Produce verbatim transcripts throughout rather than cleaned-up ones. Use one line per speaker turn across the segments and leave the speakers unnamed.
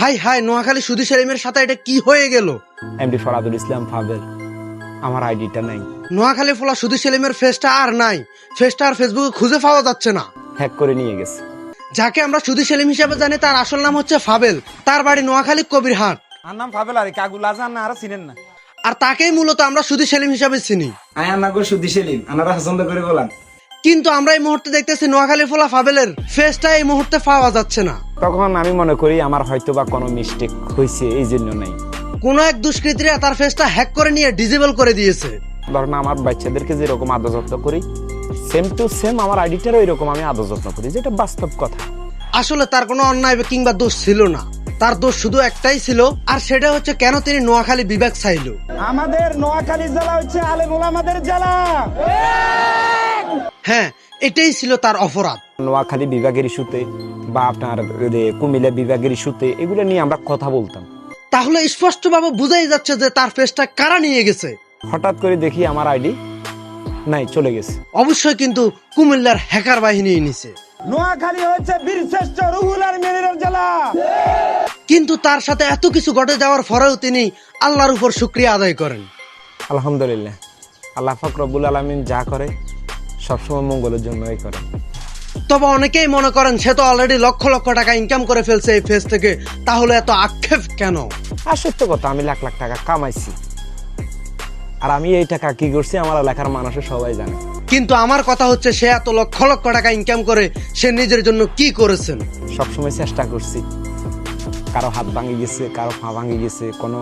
High high, Noakhali সুধী সেলিমের সাথে এটা কি হয়ে গেল?
এমডি ফরাদুল ইসলাম ফাবেল, আমার আইডিটা নাই।
নোয়াখালী ফোলা সুধী সেলিমের ফেসটা আর নাই, ফেসটা আর ফেসবুকে খুঁজে পাওয়া যাচ্ছে না।
হ্যাক করে নিয়ে গেছে।
যাকে আমরা সুধী সেলিম হিসেবে জানি তার আসল নাম হচ্ছে ফাবেল, তার বাড়ি নোয়াখালী কবিরহাট।
আর নাম ফাবেল আর কাগুল আজান না আর চিনেন না।
আর তাকেই মূলত আমরা সুধী সেলিম হিসেবে চিনি।
আয় আনাগো সুদি সেলিম আনারা পছন্দ করে বলান।
কিন্তু আমরা এই মুহূর্তে দেখতেছি নোয়াখালী ফোলা ফাবেলের ফেসটা এই মুহূর্তে পাওয়া যাচ্ছে না।
তখন আমি মনে করি আমার হয়তো বা কোনো মিস্টেক হয়েছে, এই জন্য নাই।
কোন এক দুষ্কৃতীরা তার ফেসটা হ্যাক করে নিয়ে ডিজেবল করে দিয়েছে।
ধরেন আমার বাচ্চাদেরকে যেরকম আদর যত্ন করি, সেম টু সেম আমার আইডিটারও এরকম আমি আদর যত্ন করি, যেটা বাস্তব কথা।
আসলে তার কোনো অন্যায় কিংবা দোষ ছিল না, তার দোষ শুধু একটাই ছিল, আর সেটা হচ্ছে কেন তিনি নোয়াখালী বিভাগ চাইল।
আমাদের নোয়াখালী জেলা হচ্ছে আলেম ওলামাদের জেলা।
হ্যাঁ, এটাই ছিল তার অপরাধ।
নোয়াখালী বিভাগের ইস্যুতে বা আপনার কুমিল্লা বিভাগের ইস্যুতে এগুলো নিয়ে আমরা কথা বলতাম।
তাহলে স্পষ্টভাবে বোঝাই যাচ্ছে যে তার ফেসটা কারা নিয়ে গেছে।
হঠাৎ করে দেখি আমার আইডি নাই, চলে গেছে।
অবশ্যই কিন্তু কুমিল্লার হ্যাকার বাহিনী নিছে।
নোয়াখালী হচ্ছে বীরশ্রেষ্ঠ রুহুল আমিনের জেলা।
কিন্তু তার সাথে এত কিছু ঘটে যাওয়ার পরেও তিনি আল্লাহর উপর শুকরিয়া আদায় করেন।
আলহামদুলিল্লাহ, আল্লাহ পাক রব্বুল আলামিন যা করে সবসময় মঙ্গলের জন্যই করে।
তবে অনেকেই মনে করেন সে তো অলরেডি লক্ষ লক্ষ টাকা ইনকাম করে ফেলছে এই ফেস থেকে, তাহলে এত আক্ষেপ কেন?
আর সত্য কথা, আমি লাখ লাখ টাকা কামাইছি, আর আমি এই টাকা কি করছি আমার এলাকার মানুষের সবাই জানে।
কিন্তু আমার কথা হচ্ছে সে এত লক্ষ লক্ষ টাকা ইনকাম করে সে নিজের জন্য কি করেছেন?
সবসময় চেষ্টা করছি। কারো হাত ভাঙে গেছে, কারো পা ভাঙে গেছে, কোনো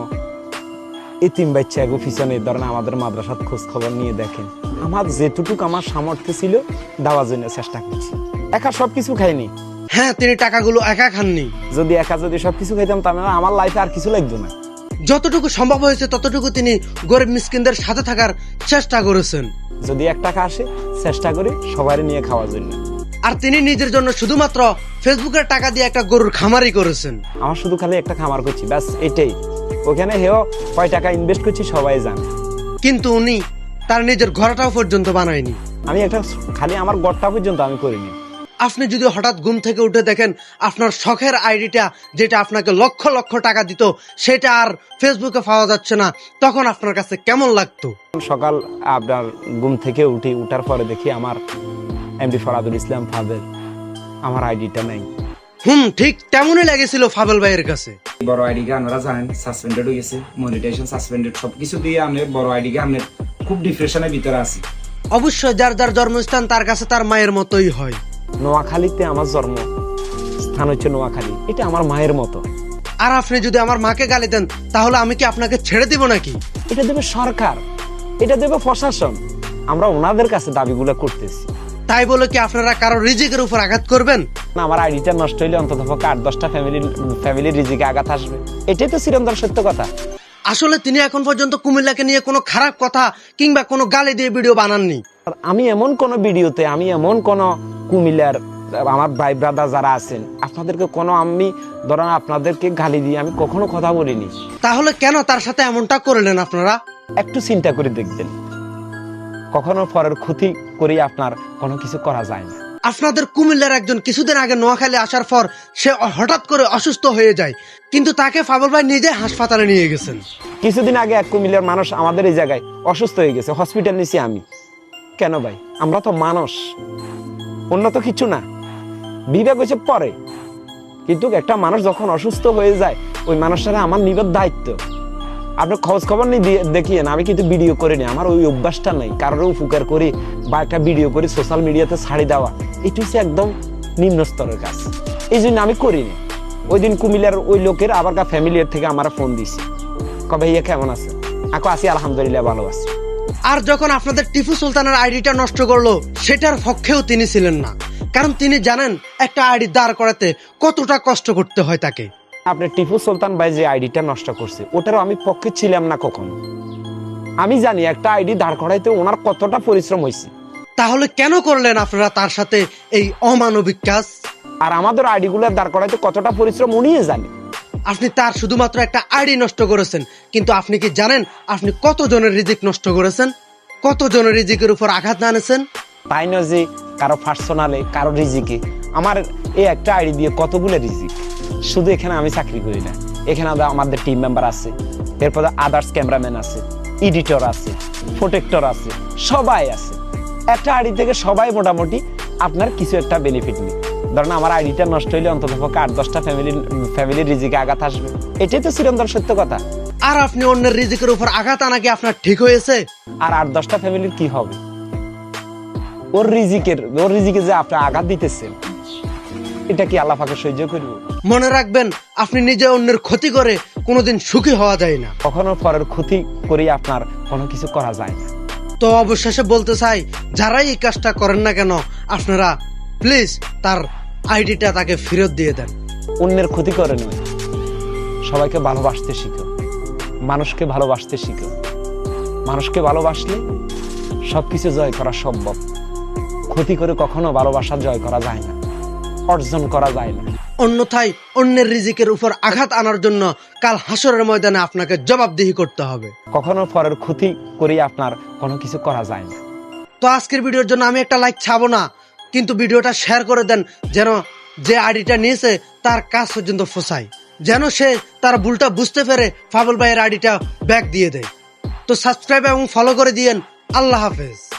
এতিম বাচ্চা এগো পিছনে ধরেন আমাদের মাদ্রাসার খোঁজ খবর নিয়ে দেখেন। আমার যেটুকু আমার সামর্থ্য ছিল দেওয়ার জন্য চেষ্টা করছি। একা সবকিছু খাইনি।
হ্যাঁ, তিনি টাকাগুলো একা খাননি।
যদি একা যদি সবকিছু খাইতাম তাহলে আমার লাইফে আর কিছু লাগতো না।
যতটুকু সম্ভব হয়েছে ততটুকু তিনি গরিব মিসকিনদের সাথে থাকার চেষ্টা করেছেন।
যদি এক টাকা আসে চেষ্টা করি সবাই নিয়ে খাওয়ার জন্য।
আর তিনি নিজের জন্য শুধুমাত্র ফেসবুকের টাকা দিয়ে একটা গরুর খামারই করেছেন।
আমার শুধু খালি একটা খামার করছি, ব্যাস এটাই। ওখানে হেও কয় টাকা ইনভেস্ট করছি সবাই জানে।
কিন্তু উনি তার নিজের ঘরটাও পর্যন্ত বানায়নি।
আমি একটা খালি আমার গড়টা পর্যন্ত আমি করিনি।
আপনি যদি হঠাৎ ঘুম থেকে উঠে দেখেন আপনার শখের আইডিটা যেটা আপনাকে লক্ষ লক্ষ টাকা দিত সেটা আর ফেসবুকে পাওয়া যাচ্ছে না, তখন আপনার কাছে কেমন লাগতো?
সকাল আপনার ঘুম থেকে উঠি, উঠার পরে দেখি আমার এমডি ফরাদুল ইসলাম ফাবেল, আমার আইডিটা নাই।
হুম, ঠিক তেমনই লেগেছিল ফাবেল ভাইয়ের কাছে।
বড় আইডি কে আপনারা জানেন সাসপেন্ডেড হয়ে গেছে, মনিটাইজেশন সাসপেন্ডেড, সবকিছু দিয়ে আমি বড় আইডি কে আমি খুব ডিপ্রেশনের ভিতরে আছি।
অবশ্যই যার যার জন্মস্থান তার কাছে তার মায়ের মতোই হয়।
নোয়াখালীতে আমার জন্ম স্থান হচ্ছে নোয়াখালী, এটা আমার মায়ের মতো।
আর আপনি যদি আমার মাকে গালি দেন তাহলে আমি কি আপনাকে ছেড়ে দিব নাকি?
এটা দেবে সরকার, এটা দেবে প্রশাসন। আমরা ওনাদের কাছে দাবিগুলো করতেছি।
তাই বলে কি আপনারা কারো রিজিকের উপর আঘাত করবেন?
না, আমার আইডিটা নষ্ট হইলে অন্তত পক্ষে আট দশটা ফ্যামিলির ফ্যামিলির রিজিকে আঘাত আসবে, এটাই তো চিরন্তন সত্য কথা।
আসলে তিনি এখন পর্যন্ত কুমিল্লাকে নিয়ে কোনো খারাপ কথা কিংবা কোনো গালি দিয়ে ভিডিও বানাননি।
আমি এমন কোন ভিডিওতে, আমি এমন কোন কুমিল্লার আমার ভাই ব্রাদার যারা আছেন আপনাদেরকে কোনো আমি ধরেন আপনাদেরকে গালি দিয়ে আমি কখনো কথা বলিনি।
তাহলে কেন তার সাথে এমনটা করলেন আপনারা?
একটু চিন্তা করে দেখবেন, কখনো পরের ক্ষতি করে আপনার কোনো কিছু করা যায় না।
আপনাদের কুমিল্লার একজন কিছুদিন আগে নোয়াখালী আসার পর সে হঠাৎ করে অসুস্থ হয়ে যায়, কিন্তু তাকে ফাবল ভাই নিজে হাসপাতালে নিয়ে গেছেন।
কিছুদিন আগে এক কুমিল্লার মানুষ আমাদের এই জায়গায় অসুস্থ হয়ে গেছে, হসপিটাল নিছি আমি। কেন ভাই? আমরা তো মানুষ, অন্য তো কিছু না। বিবেক হয়েছে পরে, কিন্তু একটা মানুষ যখন অসুস্থ হয়ে যায় ওই মানুষটারা আমার নিবেদ দায়িত্ব। আপনি খোঁজ খবর নিয়ে দেখিয়েন, আমি কিন্তু ভিডিও করে নি, আমার ওই অভ্যাসটা নেই। কারোর উপকার করি বা একটা ভিডিও করি সোশ্যাল মিডিয়াতে ছাড়ি দেওয়া, এটা হচ্ছে একদম নিম্ন স্তরের কাজ, এই জন্য আমি করিনি। ওই দিন কুমিল্লার ওই লোকের আবার ফ্যামিলির থেকে আমার ফোন দিছে, কবে ইয়ে কেমন আছে? আকো আছি আলহামদুলিল্লাহ, ভালো আছি।
আর যখন আপনাদের টিপু সুলতানের আইডিটা নষ্ট করলো সেটার পক্ষেও তিনি ছিলেন না, কারণ তিনি জানেন একটা আইডি দাঁড় করাতে কতটা কষ্ট করতে হয় তাকে।
আপনি টিপু সুলতান ভাই যে আইডিটা নষ্ট করছে ওটারও আমি পক্ষে ছিলাম না কখনো। আমি জানি একটা আইডি দাঁড় করাইতে ওনার কতটা পরিশ্রম হয়েছে।
তাহলে কেন করলেন আপনারা তার সাথে এই অমানবিক কাজ?
আর আমাদের আইডি গুলো দাঁড় করাইতে কতটা পরিশ্রম উনিই জানে।
আপনি তার শুধুমাত্র একটা আইডি নষ্ট করেছেন, কিন্তু আপনি কি জানেন আপনি কত জনের রিজিক নষ্ট করেছেন, কত জনের রিজিকের উপর আঘাত আনেছেন?
তাই নয় যে কারো পার্সোনালে কারো রিজিকে, আমার এই একটা আইডি দিয়ে কতগুলো রিজিক। শুধু এখানে আমি চাকরি করি না, এখানে আদা- আমাদের টিম মেম্বার আছে, এরপরে আদার্স ক্যামেরাম্যান আছে, এডিটর আছে, প্রোটেক্টর আছে, সবাই আছে। একটা আইডি থেকে সবাই মোটামুটি আপনার কিছু একটা বেনিফিট নেই। ধরেন আমার আইডিটা নষ্ট হইলে অন্তত পক্ষে আট দশটা ফ্যামিলির ফ্যামিলির রিজিকে আঘাত আসবে, এটাই তো চিরন্তন সত্য কথা।
আর আপনি অন্যের রিজিকের উপর আঘাত আনা কি আপনার ঠিক হয়েছে?
আর আট দশটা ফ্যামিলির কি হবে? ওর রিজিকের ওর রিজিকে যে আপনি আঘাত দিতেছেন, এটা কি আল্লাহ পাকে সহ্য করবে?
মনে রাখবেন, আপনি নিজে অন্যের ক্ষতি করে কোনোদিন সুখী হওয়া যায় না।
কখনো পরের ক্ষতি করে আপনার কোনো কিছু করা যায় না।
তো অবশেষে বলতে চাই, যারাই এই কাজটা করেন না কেন, আপনারা প্লিজ তার আইডিটা তাকে ফেরত দিয়ে দেন।
অন্যের ক্ষতি করে নয়, সবাইকে ভালোবাসতে শিখো, মানুষকে ভালোবাসতে শিখো। মানুষকে ভালোবাসলে সবকিছু জয় করা সম্ভব। ক্ষতি করে কখনো ভালোবাসা জয় করা যায় না, অর্জন করা যায় না।
অন্যথায় অন্যের রিজিকের উপর আঘাত আনার জন্য কাল হাসরের ময়দানে আপনাকে জবাবদিহি করতে হবে।
কখনো পরের ক্ষতি করে আপনার কোনো কিছু করা যায় না।
তো আজকের ভিডিওর জন্য আমি একটা লাইক ছাবো না, কিন্তু ভিডিওটা শেয়ার করে দেন, যেন যে আইডিটা নিয়েছে তার কাজ পর্যন্ত ফোসায়, যেন সে তার ভুলটা বুঝতে পেরে ফাবুল ভাইয়ের আইডিটা ব্যাক দিয়ে দেয়। তো সাবস্ক্রাইব এবং ফলো করে দিয়েন। আল্লাহ হাফেজ।